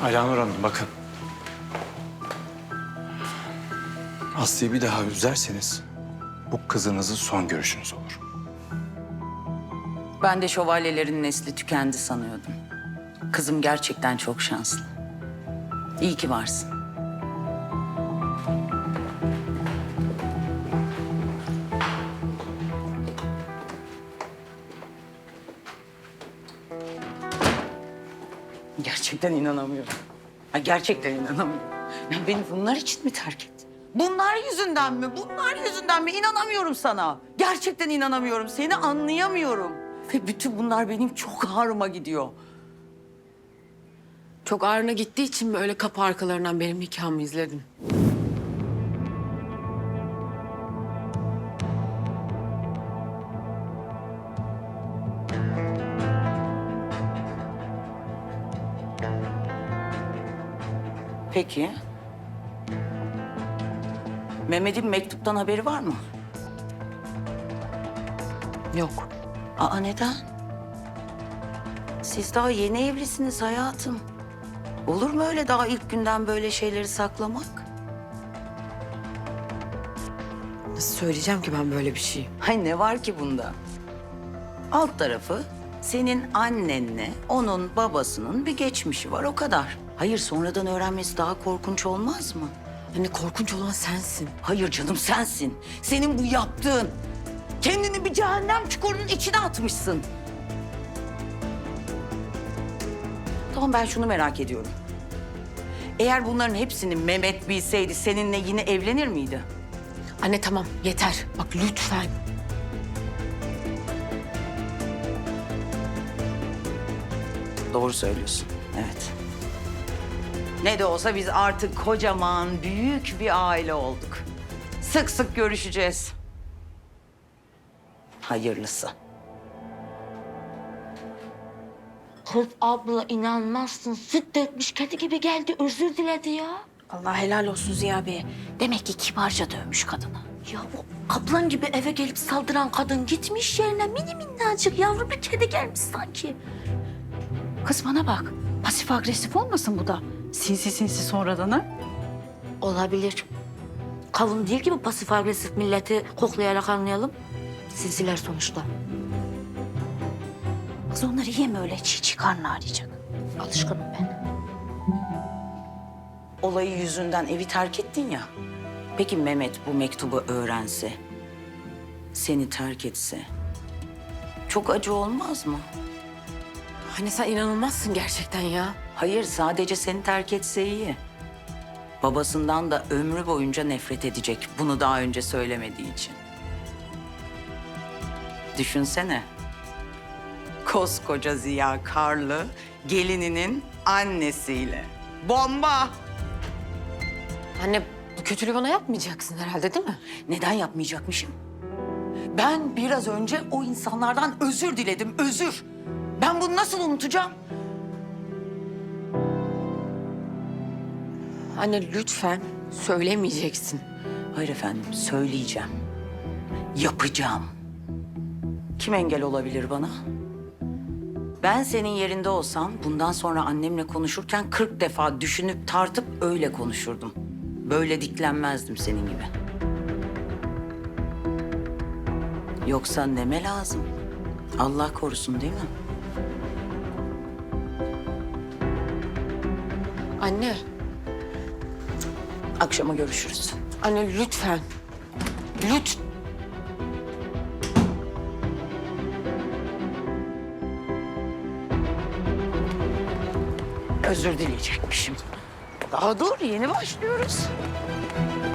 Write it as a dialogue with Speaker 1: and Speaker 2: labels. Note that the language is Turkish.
Speaker 1: Alanur Hanım bakın. Aslı'yı bir daha üzerseniz bu kızınızın son görüşünüz olur.
Speaker 2: Ben de şövalyelerin nesli tükendi sanıyordum. Kızım gerçekten çok şanslı. İyi ki varsın. Gerçekten inanamıyorum. Ha, gerçekten inanamıyorum. Ya beni bunlar için mi terk etti? Bunlar yüzünden mi? Bunlar yüzünden mi? İnanamıyorum sana. Gerçekten inanamıyorum. Seni anlayamıyorum. Ve bütün bunlar benim çok ağrıma gidiyor.
Speaker 3: Çok ağrına gittiği için mi öyle kapı arkalarından benim nikahımı izledin?
Speaker 2: Peki. Mehmet'in mektuptan haberi var mı?
Speaker 3: Yok.
Speaker 2: Aa, neden? Siz daha yeni evlisiniz hayatım. Olur mu öyle daha ilk günden böyle şeyleri saklamak?
Speaker 3: Nasıl söyleyeceğim ki ben böyle bir şey?
Speaker 2: Hay ne var ki bunda? Alt tarafı senin annenle onun babasının bir geçmişi var, o kadar. Hayır, sonradan öğrenmesi daha korkunç olmaz mı?
Speaker 3: Hani korkunç olan sensin.
Speaker 2: Hayır canım, sensin. Senin bu yaptığın. Kendini bir cehennem çukurunun içine atmışsın. Tamam, ben şunu merak ediyorum. Eğer bunların hepsini Mehmet bilseydi seninle yine evlenir miydi?
Speaker 3: Anne tamam yeter. Bak lütfen.
Speaker 2: Doğru söylüyorsun, evet. Ne de olsa biz artık kocaman, büyük bir aile olduk. Sık sık görüşeceğiz. Hayırlısı.
Speaker 4: Kız abla inanmazsın. Süt dökmüş kedi gibi geldi. Özür diledi ya.
Speaker 5: Allah helal olsun Ziya Bey. Demek ki kibarca dövmüş kadını.
Speaker 4: Ya bu kaplan gibi eve gelip saldıran kadın gitmiş yerine mini minnacık yavru bir kedi gelmiş sanki.
Speaker 5: Kız bana bak. Pasif agresif olmasın bu da. Sinsi sinsi sonradan ha?
Speaker 4: Olabilir. Kavun değil ki bu pasif agresif milleti koklayarak anlayalım. Sinsiler sonuçta.
Speaker 5: Kız onları yeme öyle çiğ çiğ karnı ağrıyacak.
Speaker 4: Alışkınım ben.
Speaker 2: Olayı yüzünden evi terk ettin ya. Peki Mehmet bu mektubu öğrense, seni terk etse çok acı olmaz mı?
Speaker 3: Anne sen inanılmazsın gerçekten ya.
Speaker 2: Hayır, sadece seni terk etse iyi. Babasından da ömrü boyunca nefret edecek, bunu daha önce söylemediği için. Düşünsene. Koskoca Ziya Karlı gelininin annesiyle. Bomba!
Speaker 3: Anne bu kötülüğü bana yapmayacaksın herhalde değil mi?
Speaker 2: Neden yapmayacakmışım? Ben biraz önce o insanlardan özür diledim, özür. Ben bunu nasıl unutacağım?
Speaker 3: Anne lütfen söylemeyeceksin.
Speaker 2: Hayır efendim, söyleyeceğim. Yapacağım. Kim engel olabilir bana? Ben senin yerinde olsam bundan sonra annemle konuşurken 40 defa düşünüp tartıp öyle konuşurdum. Böyle diklenmezdim senin gibi. Yoksa neme lazım? Allah korusun değil mi?
Speaker 3: Anne,
Speaker 2: Akşama görüşürüz.
Speaker 3: anne lütfen. Lütfen.
Speaker 2: Özür dileyecekmişim. Daha dur, yeni başlıyoruz.